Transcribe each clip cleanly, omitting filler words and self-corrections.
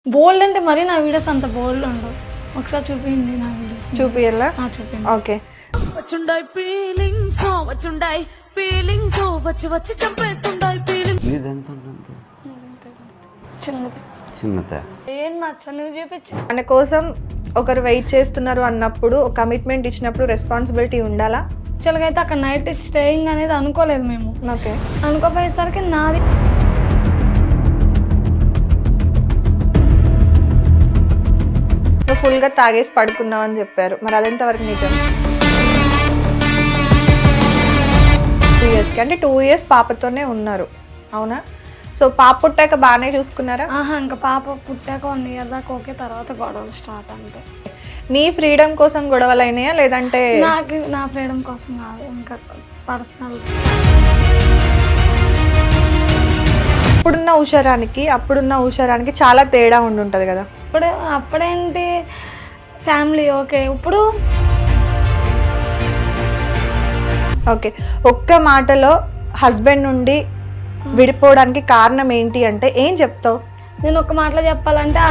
బోల్డ్ అంటే మరి నా వీడియోస్ అంత బోల్డ్ ఉండవు. ఒకసారి చూపించండి నా వీడియోస్. చూపియాలా? చూపించండి. ఓకే. వచ్చుండాయి ఫీలింగ్స్ వచ్చుండాయి ఫీలింగ్స్ వచ్చి వచ్చి చంపేస్తుండాయి ఫీలింగ్స్. చిన్నది చిన్నదా? ఏం నచ్చా నువ్వు చూపించు. మన కోసం ఒకరు వెయిట్ చేస్తున్నారు అన్నప్పుడు, కమిట్మెంట్ ఇచ్చినప్పుడు రెస్పాన్సిబిలిటీ ఉండాలా? యాక్చువల్గా అయితే అక్కడ నైట్ స్టేయింగ్ అనేది అనుకోలేదు మేము. ఓకే. అనుకోపోయేసరికి నాది నువ్వు ఫుల్గా తాగేసి పడుకున్నావు అని చెప్పారు, మరి అదెంత వరకు నిజం? 2 years అంటే 2 years పాపతోనే ఉన్నారు, అవునా? సో పాప పుట్టాక బాగానే చూసుకున్నారా? ఇంకా పాప పుట్టాక 1 year దాకా ఓకే, తర్వాత గొడవలు స్టార్ట్ అంతే. నీ ఫ్రీడమ్ కోసం గొడవలు అయినాయా లేదంటే? నాకు నా ఫ్రీడమ్ కోసం కాదు, ఇంకా పర్సనల్. అప్పుడున్న ఉషారానికి చాలా తేడా ఉండుంటది కదా. అప్పుడేంటి ఫ్యామిలీ ఓకే. ఇప్పుడు ఓకే, ఒక్క మాటలో హస్బెండ్ నుండి విడిపోవడానికి కారణం ఏంటి అంటే ఏం చెప్తావు? నేను ఒక మాటలో చెప్పాలంటే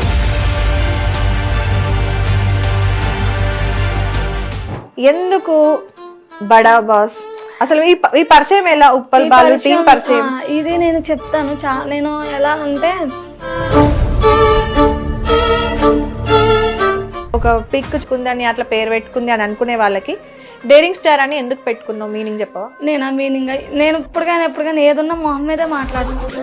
ఎందుకు బడా బాస్? అసలు ఈ పరిచయం ఎలా? ఉప్పల్ బాలు టీం పరిచయం ఇది నేను చెప్తాను. నేను ఎలా అంటే ఒక పిక్కుంది అని అట్లా పేరు పెట్టుకుంది అని అనుకునే వాళ్ళకి డేరింగ్ స్టార్ అని ఎందుకు పెట్టుకున్నావు? మీనింగ్ చెప్పవా? నేను ఆ మీనింగ్ నేను ఎప్పటికైనా ఏదున్నా మొహం మీదే మాట్లాడుతున్నాను.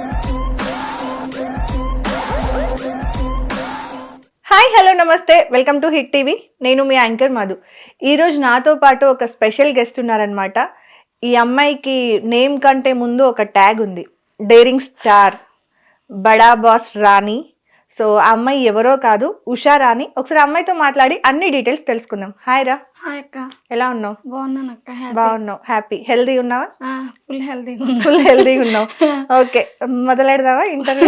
Hi, hello, namaste, welcome to hit TV. నేను మీ యాంకర్ మధు. ఈరోజు నాతో పాటు ఒక స్పెషల్ గెస్ట్ ఉన్నారనమాట. ఈ అమ్మాయికి నేమ్ కంటే ముందు ఒక ట్యాగ్ ఉంది, డేరింగ్ స్టార్, బడా బాస్ రాణి. సో ఆ అమ్మాయి ఎవరో కాదు, ఉషా రాణి. ఒకసారి అమ్మాయితో మాట్లాడి అన్ని డీటెయిల్స్ తెలుసుకుందాం. హాయ్ రా. హాయ్ అక్క. ఎలా ఉన్నావు? బాగున్నాను అక్క. బాగున్నావు? హ్యాపీ? హెల్దీ ఉన్నావా? ఫుల్ హెల్దీగా ఉన్నావు. ఓకే, మొదలెడదావా ఇంటర్వ్యూ?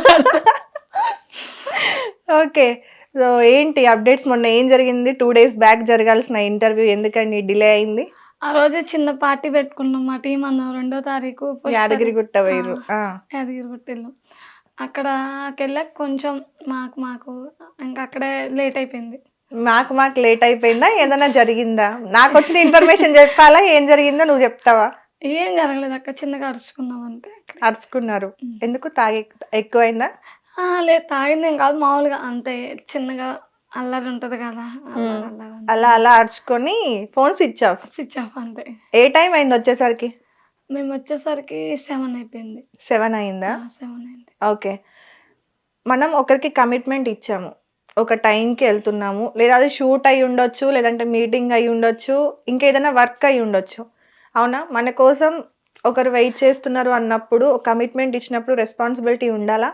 ఓకే, సో ఏంటి అప్డేట్స్? మొన్న ఏం జరిగింది? 2 days బ్యాక్ జరగాల్సిన ఇంటర్వ్యూ ఎందుకండి డిలే అయింది? ఆ రోజు చిన్న పార్టీ పెట్టుకున్నాం మా టీం అందరం. 2వ తారీఖు యాదగిరిగుట్ట వేరు. యాదగిరిగుట్ట వెళ్ళాం. అక్కడికి వెళ్ళాక కొంచెం మాకు ఇంకా అక్కడే లేట్ అయిపోయింది. మాకు లేట్ అయిపోయిందా? ఏదైనా జరిగిందా? నాకు వచ్చిన ఇన్ఫర్మేషన్ చెప్పాలా? ఏం జరిగిందో నువ్వు చెప్తావా? ఏం జరగలేదు అక్క, చిన్నగా అరుచుకున్నాం అంతే. అరుచుకున్నారు ఎందుకు? ఎక్కువైందా? లేదు, తాగింది ఏం కాదు, మామూలుగా అంతే. చిన్నగా అల్లరి ఉంటది కదా, అలా అరుచుకొని ఫోన్ స్విచ్ ఆఫ్ అంతే. ఏ టైం అయింది వచ్చేసరికి? మేము వచ్చేసరికి 7 అయిపోయింది. 7 అయిందా? 7 అయింది. ఓకే, మనం ఒకరికి కమిట్మెంట్ ఇచ్చాము, ఒక టైంకి వెళ్తున్నాము, లేదా అది షూట్ అయి ఉండొచ్చు, లేదంటే మీటింగ్ అయి ఉండొచ్చు, ఇంకేదైనా వర్క్ అయి ఉండొచ్చు, అవునా? మన కోసం ఒకరు వెయిట్ చేస్తున్నారు అన్నప్పుడు, కమిట్మెంట్ ఇచ్చినప్పుడు రెస్పాన్సిబిలిటీ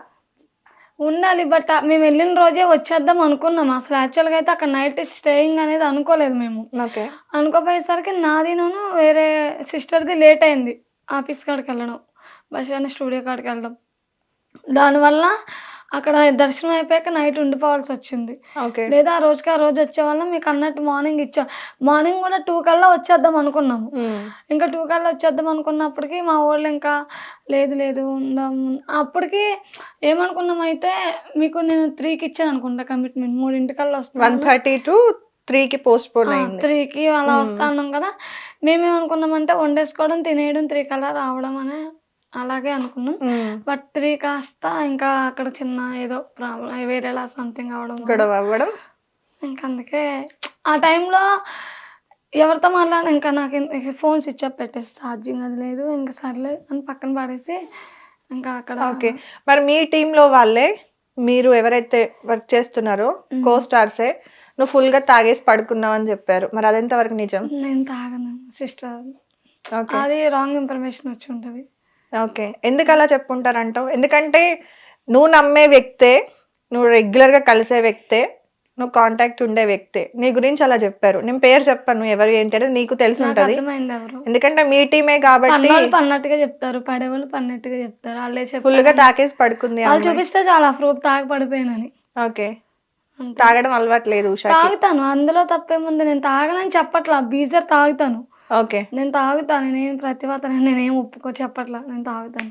ఉండాలి. బట్ మేము వెళ్ళిన రోజే వచ్చేద్దాం అనుకున్నాం. అసలు యాక్చువల్గా అయితే అక్కడ నైట్ స్టేయింగ్ అనేది అనుకోలేదు మేము. ఓకే. అనుకోపోయేసరికి నాదిను వేరే సిస్టర్ది లేట్ అయింది ఆఫీస్ కాడికి వెళ్ళడం, బస్ స్టూడియో కాడికి వెళ్ళడం. దానివల్ల అక్కడ దర్శనం అయిపోయాక నైట్ ఉండిపోవాల్సి వచ్చింది. లేదా ఆ రోజు వచ్చే వల్ల మీకు అన్నట్టు మార్నింగ్ కూడా 2 కల్లా వచ్చేద్దాం అనుకున్నాము. ఇంకా 2 కల్లా వచ్చేద్దాం అనుకున్నప్పటికీ మా వాళ్ళు ఇంకా లేదు ఉందాం. అప్పటికి ఏమనుకున్నాం అయితే, మీకు నేను 3కి ఇచ్చాను అనుకుంటా కమిట్మెంట్, 3 కల్లా వస్తాను. 1:30 to 3కి పోస్ట్ పోన్ అయింది. 3కి అలా వస్తా అన్నాం కదా. మేమేమనుకున్నామంటే వండేసుకోవడం, తినేయడం, 3 కల్లా రావడం అనే అలాగే అనుకున్నాం. బట్ 3 కాస్త ఇంకా అక్కడ చిన్న ఏదో ప్రాబ్లం, వేరేలా సంథింగ్ గొడవ అవ్వడం. ఇంకా అందుకే ఆ టైంలో ఎవరితో మాట్లాడినా ఇంకా నాకు ఫోన్ స్విచ్ ఆఫ్ పెట్టేసి, ఛార్జింగ్ అది లేదు, ఇంకా సర్లే అని పక్కన పడేసి ఇంకా అక్కడ. ఓకే, మరి మీ టీంలో వాళ్ళే, మీరు ఎవరైతే వర్క్ చేస్తున్నారో కో స్టార్సే, నువ్వు ఫుల్గా తాగేసి పడుకున్నావు అని చెప్పారు, మరి అదెంత వరకు నిజం? నేను తాగను సిస్టర్, అది రాంగ్ ఇన్ఫర్మేషన్ వచ్చి ఉంటుంది. ఓకే, ఎందుకు అలా చెప్పుంటారంటావు? ఎందుకంటే నువ్వు నమ్మే వ్యక్తే, నువ్వు రెగ్యులర్గా కలిసే వ్యక్తే, నువ్వు కాంటాక్ట్ ఉండే వ్యక్తే, నీ గురించి అలా చెప్పారు. నేను పేరు చెప్పాను ఎవరు ఏంటి అనేది నీకు తెలిసి ఉంటుంది, ఎందుకంటే మీ టీమే కాబట్టి. పన్నట్టుగా చెప్తారు, పడేవాళ్ళు పన్నట్టుగా చెప్తారు. వాళ్ళే ఫుల్గా తాకేసి పడుకుంది, వాళ్ళు చూపిస్తే చాలా ప్రూఫ్ తాగి పడిపోయినని. ఓకే, తాగడం అలవాటు లేదు? తాగుతాను, అందులో తప్పేముంది. నేను తాగనని చెప్పట్లా, బీజర్ తాగుతాను. ఓకే, నేను తాగుతాను, నేనేం ప్రతిభాత, నేనేం ఒప్పుకో చెప్పట్లా, నేను తాగుతాను.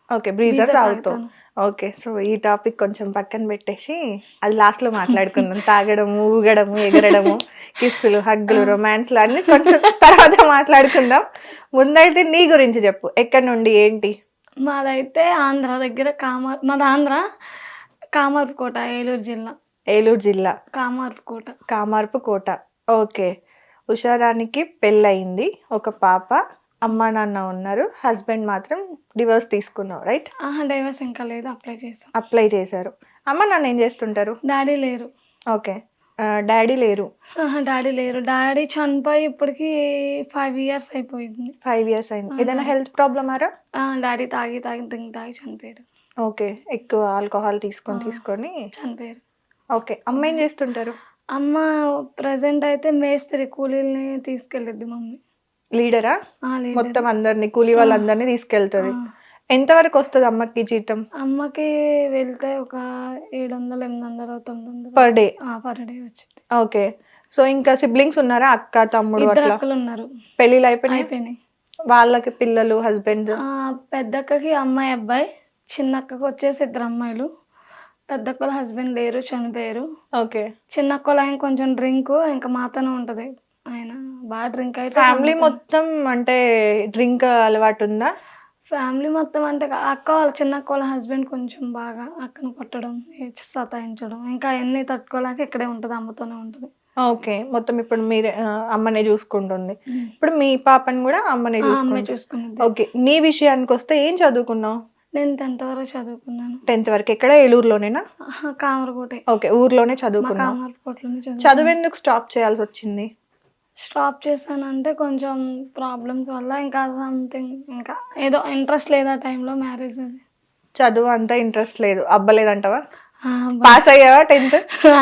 ఓకే, బ్రీజర్ Breezer తాగుతావు. తాగుతాను. ఓకే, సో ఈ టాపిక్ కొంచెం పక్కన పెట్టేసి అది లాస్ట్ లో మాట్లాడుకుందాం. తాగడము, ఊగడము, ఎగరడము, కిస్సులు, హగ్గులు, రొమాన్స్లు అన్ని కొంచెం తర్వాత మాట్లాడుకుందాం. ముందైతే నీ గురించి చెప్పు, ఎక్కడి నుండి ఏంటి? మాదైతే ఆంధ్ర దగ్గర మాది ఆంధ్ర కామార్పుకోట, ఏలూరు జిల్లా. ఏలూరు జిల్లా కామార్పుకోట. కామార్పు కోట. ఓకే, ఉషారానికి పెళ్ళయింది, ఒక పాప, అమ్మ నాన్న ఉన్నారు, హస్బెండ్ మాత్రం డివోర్స్ తీసుకున్నావు, రైట్? డైవర్స్ ఇంకా లేదు, అప్లై చేసాం. అప్లై చేశారు. అమ్మ నాన్న ఏం చేస్తుంటారు? డాడీ లేరు. ఓకే, డాడీ లేరు. డాడీ లేరు. డాడీ చనిపోయి ఇప్పటికి 5 years అయిపోయింది. 5 years అయింది. ఏదైనా హెల్త్ ప్రాబ్లమ్ ఆరా? డాడీ తాగి చనిపోయాడు. ఓకే, ఎక్కువ ఆల్కహాల్ తీసుకొని చనిపోయారు. ఓకే, అమ్మ ఏం చేస్తుంటారు? అమ్మ ప్రజెంట్ అయితే మేస్త్రి, కూలీల్ని తీసుకెళ్ళిద్ది మమ్మీ. లీడరా? leader. మొత్తం అందరినీ, కూలీ వాళ్ళందరినీ తీసుకెళ్తుంది. ఎంతవరకు వస్తుంది అమ్మకి జీతం? అమ్మకి వెళ్తే ఒక 700, 800, 900 పర్ డే. పర్ డే వచ్చింది. ఓకే, సో ఇంకా సిబ్లింగ్స్ ఉన్నారా? అక్క, తమ్ముడు 2 అట్లా? అక్కలు ఉన్నారు. పెళ్ళిళ్ళు అయిపోయినాయి? అయిపోయినాయి. వాళ్ళకి పిల్లలు, హస్బెండ్? పెద్దక్కకి అమ్మాయి, అబ్బాయి. చిన్నక్కకి వచ్చేసి 2 అమ్మాయిలు. పెద్దక్కల హస్బెండ్ లేరు, చనిపోయారు. ఓకే, చిన్నక్కలు ఆయన కొంచెం డ్రింక్ ఇంకా మాతోనే ఉంటది. ఆయన బాగా డ్రింక్ అయితే. ఫ్యామిలీ మొత్తం అంటే డ్రింక్ అలవాటు ఉందా? ఫ్యామిలీ మొత్తం అంటే అక్క వాళ్ళ చిన్నక్క వాళ్ళ హస్బెండ్ కొంచెం బాగా అక్కను కొట్టడం, సతాయించడం, ఇంకా అన్ని తట్టుకోలేక ఇక్కడే ఉంటుంది, అమ్మతోనే ఉంటుంది. ఓకే, మొత్తం ఇప్పుడు మీరే అమ్మనే చూసుకుంటుంది. ఇప్పుడు మీ పాపని కూడా అమ్మనే అమ్మాయి చూసుకుంటుంది. చూసుకునేది. ఓకే, నీ విషయానికి వస్తే ఏం చదువుకున్నావు? నేను 10th వరకు చదువుకున్నాను. 10th వరకు ఎక్కడ? ఏలూరులోనేనా? కామరకోటే. ఓకే, ఊర్లోనే మా చదువుకున్నావు. కామరకోటలోనే చదువు ఎందుకు స్టాప్ చేయాల్సి వచ్చింది? స్టాప్ చేశానంటే కొంచెం ప్రాబ్లమ్స్ వల్ల, ఇంకా సంథింగ్, ఇంకా ఏదో ఇంట్రెస్ట్ లేదు ఆ టైంలో. మ్యారేజ్ అది. చదువు అంతా ఇంట్రెస్ట్ లేదు, అబ్బలేదంటవా? పాస్ అయ్యావా 10th?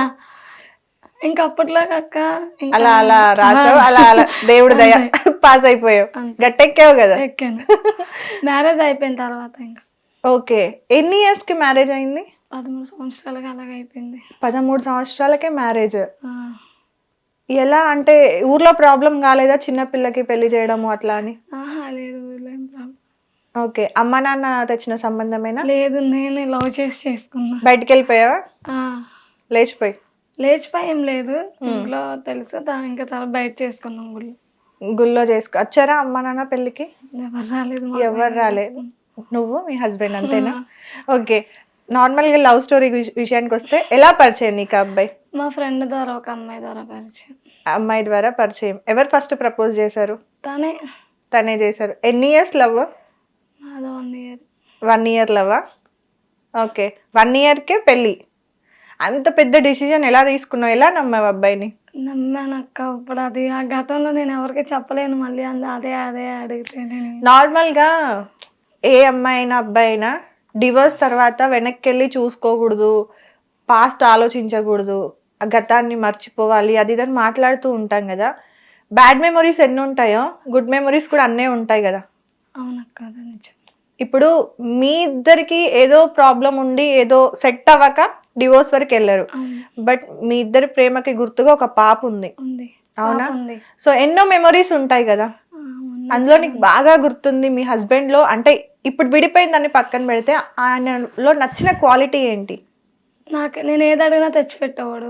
ఇంకా అప్పట్లో అక్క ఇంకా అలా అలా రాసావు, అలా అలా దేవుడు దయ పాస్ అయిపోయావు, గట్టెక్కావు కదా. ఎక్కాను. మ్యారేజ్ అయిపోయిన తర్వాత ఇంకా. ఓకే, ఎన్ని ఇయర్స్ కి మ్యారేజ్ అయింది? 13 సంవత్సరాలకి అలాగే అయిపోయింది. 13 సంవత్సరాలకే మ్యారేజ్. ఆ, ఎలా అంటే ఊర్లో ప్రాబ్లం కాలేదా చిన్న పిల్లకి పెళ్లి చేయడము అట్లా అని? లేదు, ఊర్లో ఏం ప్రాబ్లం ఓకే, అమ్మ నాన్న తెచ్చిన సంబంధమేనా? లేదు, నేను లవ్ చేసి చేసుకున్నా. బయటికి వెళ్ళిపోయావా? లేచిపోయి? లేచిపోయి ఏం లేదు, ఇంట్లో తెలుసు. ఇంకా తర్వాత బయట చేసుకున్నాం గుళ్ళు. గుళ్ళో వచ్చారా అమ్మ నాన్న పెళ్ళికి? ఎవరు రాలేదు. ఎవరు రాలేదు, నువ్వు మీ హస్బెండ్ అంతేనా? ఓకే, నార్మల్ గా లవ్ స్టోరీ విషయానికి వస్తే ఎలా పరిచయం నీకు అబ్బాయి? మా ఫ్రెండ్ ద్వారా, ఒక అమ్మాయి ద్వారా పరిచయం. అమ్మాయి ద్వారా పరిచయం. ఎవరు ఫస్ట్ ప్రపోజ్ చేశారు? తనే చేశారు. ఎన్ని ఇయర్స్ లవ్? అది 1 year. 1 year లవ్వా? ఓకే, 1 year కే పెళ్ళి. అంత పెద్ద డిసిజన్ ఎలా తీసుకున్నావు? ఎలా నమ్మావు అబ్బాయిని? నమ్మానక్క. ఇప్పుడు అది ఆ గతంలో నేను ఎవరికి చెప్పలేను. మళ్ళీ అదే అడిగితే నేను నార్మల్ గా ఏ అమ్మాయి అయినా అబ్బాయి అయినా డివోర్స్ తర్వాత వెనక్కి వెళ్ళి చూసుకోకూడదు, పాస్ట్ ఆలోచించకూడదు, ఆ గతాన్ని మర్చిపోవాలి, అది ఇదని మాట్లాడుతూ ఉంటాం కదా. బ్యాడ్ మెమొరీస్ ఎన్ని ఉంటాయో గుడ్ మెమొరీస్ కూడా అన్నే ఉంటాయి కదా. అవునక్క, అది నిజం. ఇప్పుడు మీ ఇద్దరికి ఏదో ప్రాబ్లం ఉండి ఏదో సెట్ అవ్వక డివోర్స్ వరకు వెళ్ళారు, బట్ మీ ఇద్దరి ప్రేమకి గుర్తుగా ఒక పాప ఉంది. అవునా? సో ఎన్నో మెమొరీస్ ఉంటాయి కదా. అందులో నీకు బాగా గుర్తుంది మీ హస్బెండ్ లో, అంటే ఇప్పుడు విడిపోయిన దాన్ని పక్కన పెడితే ఆయనలో నచ్చిన క్వాలిటీ ఏంటి? నేను ఏది అడిగినా తెచ్చిపెట్టేవాడు.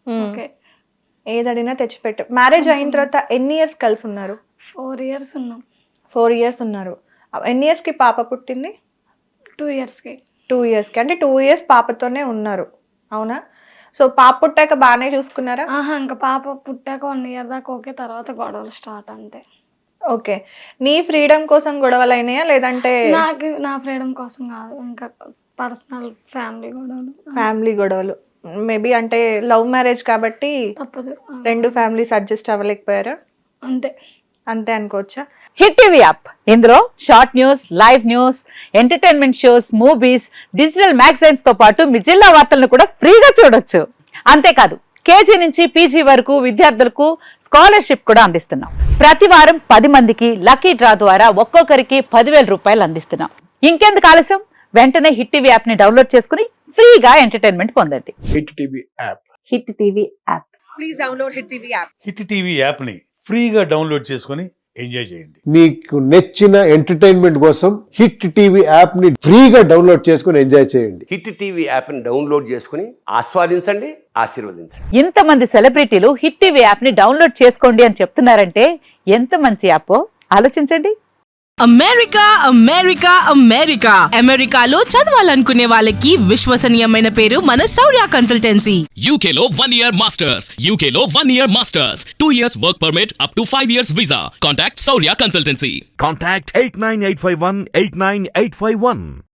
ఏదడినా తెచ్చిపెట్టావు. మ్యారేజ్ అయిన తర్వాత ఎన్ని ఇయర్స్ కలిసి ఉన్నారు? 4 years ఉన్నాం. 4 years ఉన్నారు. ఎన్ని ఇయర్స్ కి పాప పుట్టింది? 2 years కి. 2 years కి, అంటే 2 years పాపతోనే ఉన్నారు. అవునా? సో పాప పుట్టాక బాగానే చూసుకున్నారా? ఇంకా పాప పుట్టాక 1 year దాకా ఓకే, తర్వాత గొడవలు స్టార్ట్ అంతే. ఓకే, నీ ఫ్రీడమ్ కోసం గొడవలు అయినాయా లేదంటే? నా ఫ్రీడమ్ కోసం కాదు, ఇంకా పర్సనల్ ఫ్యామిలీ గొడవలు. మేబీ అంటే లవ్ మ్యారేజ్ కాబట్టి తప్పదు. 2 ఫ్యామిలీస్ అడ్జస్ట్ అవ్వలేకపోయారా? అంతే అనుకోవచ్చా? హిట్ టీవీ యాప్, ఇందులో short news, live news, entertainment shows, movies, digital magazines తో పాటు మీ జిల్లా వార్తలను కూడా ఫ్రీగా చూడొచ్చు. అంతేకాదు, కేజీ నుంచి పీజీ వరకు విద్యార్థులకు స్కాలర్షిప్ కూడా అందిస్తున్నాం. ప్రతి వారం 10 మందికి లక్కీ డ్రా ద్వారా ఒక్కొక్కరికి 10,000 రూపాయలు అందిస్తున్నాం. ఇంకెందుకు ఆలస్యం, వెంటనే హిట్ టీవీ యాప్ ని డౌన్లోడ్ చేసుకుని ఫ్రీగా ఎంటర్టైన్మెంట్ పొందండి. Hit TV app. Hit TV app. Please download hit TV app. Hit TV యాప్ని ఫ్రీగా డౌన్లోడ్ చేసుకొని ఎంజాయ్ చేయండి. మీకు నచ్చిన ఎంటర్టైన్మెంట్ కోసం హిట్ టీవీ యాప్ ని ఫ్రీగా డౌన్లోడ్ చేసుకుని ఎంజాయ్ చేయండి. హిట్ టీవీ యాప్ని డౌన్లోడ్ చేసుకుని ఆస్వాదించండి, ఆశీర్వదించండి. ఇంతమంది సెలబ్రిటీలు హిట్ టీవీ యాప్ ని డౌన్లోడ్ చేసుకోండి అని చెప్తున్నారంటే ఎంత మంచి యాప్ ఆలోచించండి. అమెరికా అమెరికా అమెరికా అమెరికాలో చదవాలనుకునే వాళ్ళకి విశ్వసనీయమైన పేరు మన Shourya consultancy. UK Law 1 Year Masters. UK Law 1 Year Masters. 2 years work permit up to 5 years visa. Contact Saurya Consultancy. Contact 89851 89851.